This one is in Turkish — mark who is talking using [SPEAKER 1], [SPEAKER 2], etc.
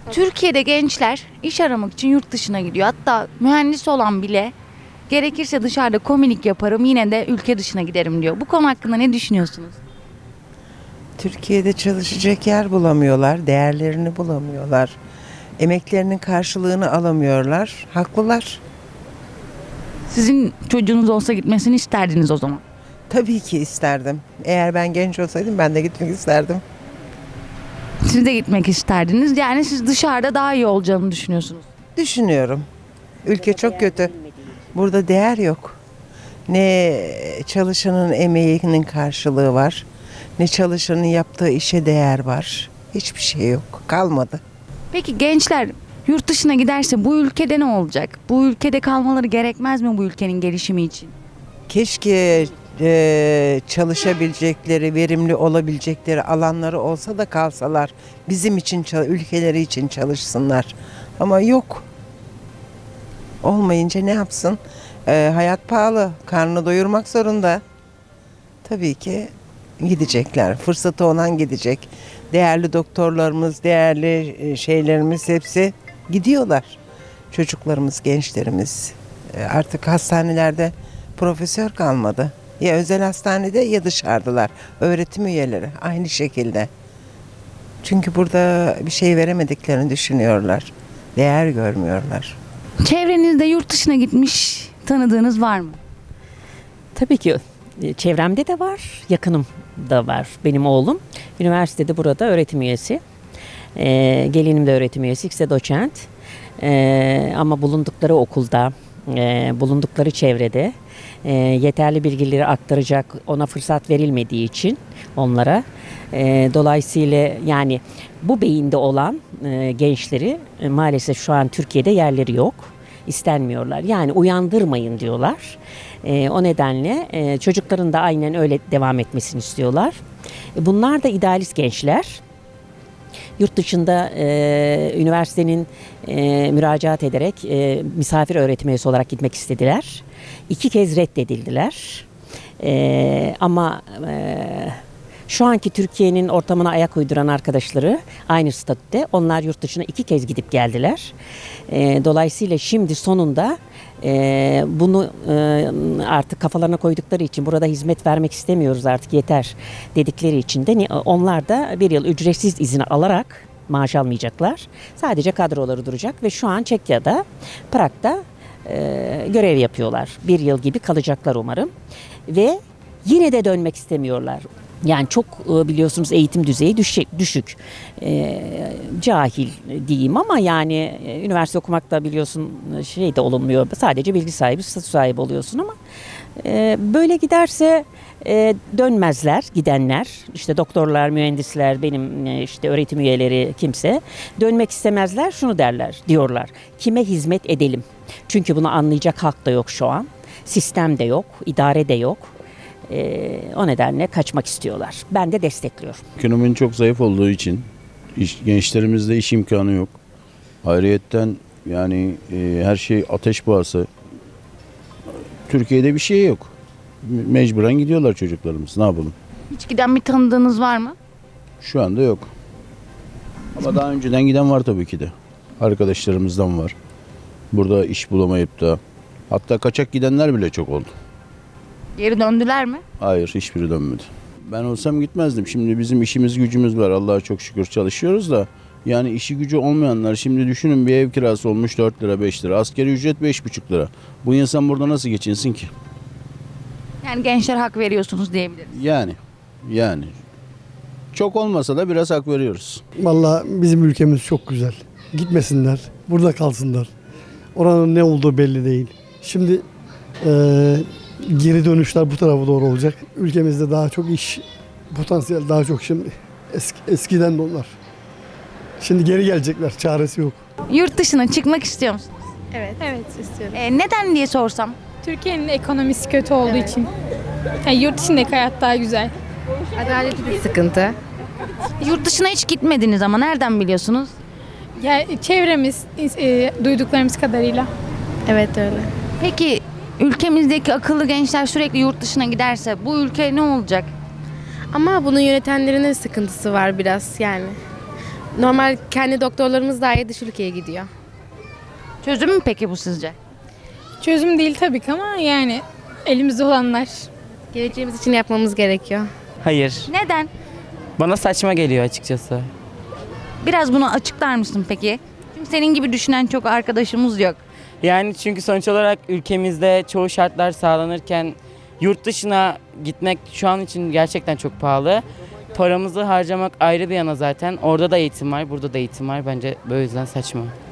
[SPEAKER 1] Türkiye'de gençler iş aramak için yurt dışına gidiyor. Hatta mühendis olan bile gerekirse dışarıda komilik yaparım yine de ülke dışına giderim diyor. Bu konu hakkında ne düşünüyorsunuz?
[SPEAKER 2] Türkiye'de çalışacak yer bulamıyorlar, değerlerini bulamıyorlar. Emeklerinin karşılığını alamıyorlar. Haklılar.
[SPEAKER 1] Sizin çocuğunuz olsa gitmesini isterdiniz o zaman.
[SPEAKER 2] Tabii ki isterdim. Eğer ben genç olsaydım ben de gitmek isterdim.
[SPEAKER 1] Siz de gitmek isterdiniz. Yani siz dışarıda daha iyi olacağını düşünüyorsunuz.
[SPEAKER 2] Düşünüyorum. Ülke çok kötü. Burada değer yok. Ne çalışanın emeğinin karşılığı var, ne çalışanın yaptığı işe değer var. Hiçbir şey yok. Kalmadı.
[SPEAKER 1] Peki gençler yurt dışına giderse bu ülkede ne olacak? Bu ülkede kalmaları gerekmez mi bu ülkenin gelişimi için?
[SPEAKER 2] Keşke çalışabilecekleri, verimli olabilecekleri alanları olsa da kalsalar. Bizim için, ülkeleri için çalışsınlar. Ama yok. Olmayınca ne yapsın? Hayat pahalı, karnını doyurmak zorunda. Tabii ki gidecekler. Fırsatı olan gidecek. Değerli doktorlarımız, değerli şeylerimiz hepsi gidiyorlar. Çocuklarımız, gençlerimiz. Artık hastanelerde profesör kalmadı. Ya özel hastanede ya dışarıdalar. Öğretim üyeleri aynı şekilde. Çünkü burada bir şey veremediklerini düşünüyorlar. Değer görmüyorlar.
[SPEAKER 1] Çevrenizde yurt dışına gitmiş tanıdığınız var mı?
[SPEAKER 3] Tabii ki çevremde de var, yakınım da var. Benim oğlum üniversitede burada öğretim üyesi. Gelinim de öğretim üyesi, ikisi de doçent. Ama bulundukları okulda, bulundukları çevrede yeterli bilgileri aktaracak ona fırsat verilmediği için onlara. Dolayısıyla yani bu beyinde olan gençleri maalesef şu an Türkiye'de yerleri yok. İstenmiyorlar. Yani uyandırmayın diyorlar. O nedenle çocukların da aynen öyle devam etmesini istiyorlar. Bunlar da idealist gençler. Yurt dışında üniversitenin müracaat ederek misafir öğretim üyesi olarak gitmek istediler. 2 kez reddedildiler. Ama şu anki Türkiye'nin ortamına ayak uyduran arkadaşları aynı statüde. Onlar yurt dışına 2 kez gidip geldiler. Dolayısıyla şimdi sonunda bunu artık kafalarına koydukları için burada hizmet vermek istemiyoruz artık yeter dedikleri için de onlar da 1 yıl ücretsiz izin alarak maaş almayacaklar. Sadece kadroları duracak ve şu an Çekya'da, Prag'da görev yapıyorlar. 1 yıl gibi kalacaklar umarım. Ve yine de dönmek istemiyorlar. Yani çok biliyorsunuz eğitim düzeyi düşük. Cahil diyeyim ama yani üniversite okumak da biliyorsun şey de olunmuyor. Sadece bilgi sahibi, statü sahibi oluyorsun ama böyle giderse dönmezler gidenler. İşte doktorlar, mühendisler, benim işte öğretim üyeleri kimse dönmek istemezler. Şunu diyorlar. Kime hizmet edelim? Çünkü bunu anlayacak halk da yok şu an. Sistem de yok, idare de yok. O nedenle kaçmak istiyorlar. Ben de destekliyorum.
[SPEAKER 4] Ekonominin çok zayıf olduğu için gençlerimizde iş imkanı yok. Ayrıyetten yani her şey ateş pahası. Türkiye'de bir şey yok. Mecburen gidiyorlar çocuklarımız. Ne yapalım?
[SPEAKER 1] Hiç giden bir tanıdığınız var mı?
[SPEAKER 4] Şu anda yok. Ama daha önceden giden var tabii ki de. Arkadaşlarımızdan var. Burada iş bulamayıp da hatta kaçak gidenler bile çok oldu.
[SPEAKER 1] Geri döndüler mi?
[SPEAKER 4] Hayır, hiçbiri dönmedi. Ben olsam gitmezdim. Şimdi bizim işimiz gücümüz var. Allah'a çok şükür çalışıyoruz da. Yani işi gücü olmayanlar şimdi düşünün bir ev kirası olmuş 4 lira 5 lira. Asgari ücret 5,5 lira. Bu insan burada nasıl geçinsin ki?
[SPEAKER 1] Yani gençler hak veriyorsunuz diyebiliriz.
[SPEAKER 4] Yani. Çok olmasa da biraz hak veriyoruz.
[SPEAKER 5] Vallahi bizim ülkemiz çok güzel. Gitmesinler, burada kalsınlar. Oranın ne olduğu belli değil. Şimdi geri dönüşler bu tarafa doğru olacak. Ülkemizde daha çok iş potansiyel daha çok şimdi eskiden de onlar. Şimdi geri gelecekler, çaresi yok.
[SPEAKER 1] Yurt dışına çıkmak istiyor musunuz?
[SPEAKER 6] Evet. Evet istiyorum.
[SPEAKER 1] Neden diye sorsam?
[SPEAKER 6] Türkiye'nin ekonomisi kötü olduğu için. Yani yurt dışındaki hayat daha güzel.
[SPEAKER 7] Adaleti de sıkıntı.
[SPEAKER 1] Yurt dışına hiç gitmediniz ama nereden biliyorsunuz?
[SPEAKER 6] Yani çevremiz, duyduklarımız kadarıyla.
[SPEAKER 7] Evet öyle.
[SPEAKER 1] Peki ülkemizdeki akıllı gençler sürekli yurt dışına giderse bu ülke ne olacak?
[SPEAKER 7] Ama bunu yönetenlerin de sıkıntısı var biraz yani. Normal kendi doktorlarımız dahi dış ülkeye gidiyor.
[SPEAKER 1] Çözüm mü peki bu sizce?
[SPEAKER 6] Çözüm değil tabii ki ama yani elimizde olanlar.
[SPEAKER 7] Geleceğimiz için yapmamız gerekiyor.
[SPEAKER 8] Hayır.
[SPEAKER 1] Neden?
[SPEAKER 8] Bana saçma geliyor açıkçası.
[SPEAKER 1] Biraz bunu açıklar mısın peki? Çünkü senin gibi düşünen çok arkadaşımız yok.
[SPEAKER 8] Yani çünkü sonuç olarak ülkemizde çoğu şartlar sağlanırken yurt dışına gitmek şu an için gerçekten çok pahalı. Paramızı harcamak ayrı bir yana zaten. Orada da eğitim var, burada da eğitim var. Bence böyle yüzden saçma.